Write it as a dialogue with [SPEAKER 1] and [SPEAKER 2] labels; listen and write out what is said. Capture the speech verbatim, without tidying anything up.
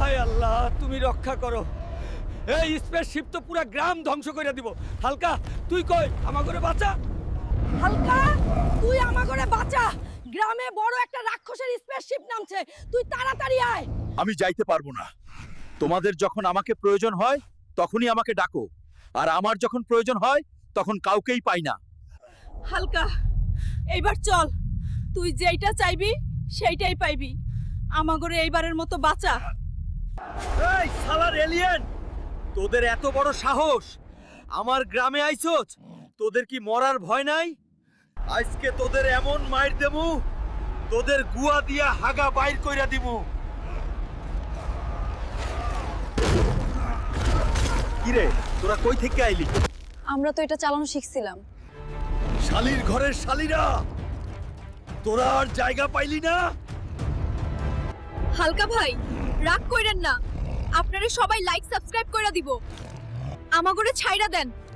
[SPEAKER 1] হায় আল্লাহ, তুমি রক্ষা করো। এই স্পেসশিপ তো পুরা গ্রাম ধ্বংস করে দিব। হালকা, তুই কই আমার করে বাঁচা।
[SPEAKER 2] হালকা, তুই আমার করে বাঁচা। গ্রামে বড় একটা রাক্ষসের স্পেসশিপ নামছে, তুই তাড়াতাড়ি আয়।
[SPEAKER 3] আমি যাইতে পারবো না। তোমাদের যখন আমাকে প্রয়োজন হয় তখনই আমাকে ডাকো, আর আমার যখন প্রয়োজন হয় তখন কাউকেই পাই না।
[SPEAKER 2] হালকা, এইবার চল। তুই যেইটা চাইবি সেইটাই পাইবি। আমাগরে এইবারের মতো বাঁচা।
[SPEAKER 1] এই শালার এলিয়েন, তোদের এত বড় সাহস আমার গ্রামে আইছস? তোদের কি মরার ভয় নাই? আজকে তোদের এমন মাইর দেবো, তোদের গুয়া দিয়া হাগা বাইর কইরা দিমু। কিরে, তোরা কই থেকে আইলি?
[SPEAKER 2] আমরা তো এটা চালানো শিখছিলাম।
[SPEAKER 1] শালির ঘরের শালিরা, তোরা আর জায়গা পাইলি না?
[SPEAKER 2] হালকা ভাই, রাগ কইরেন না। আপনারা সবাই লাইক সাবস্ক্রাইব কইরা দিব। আমাগরে ছাইরা দেন,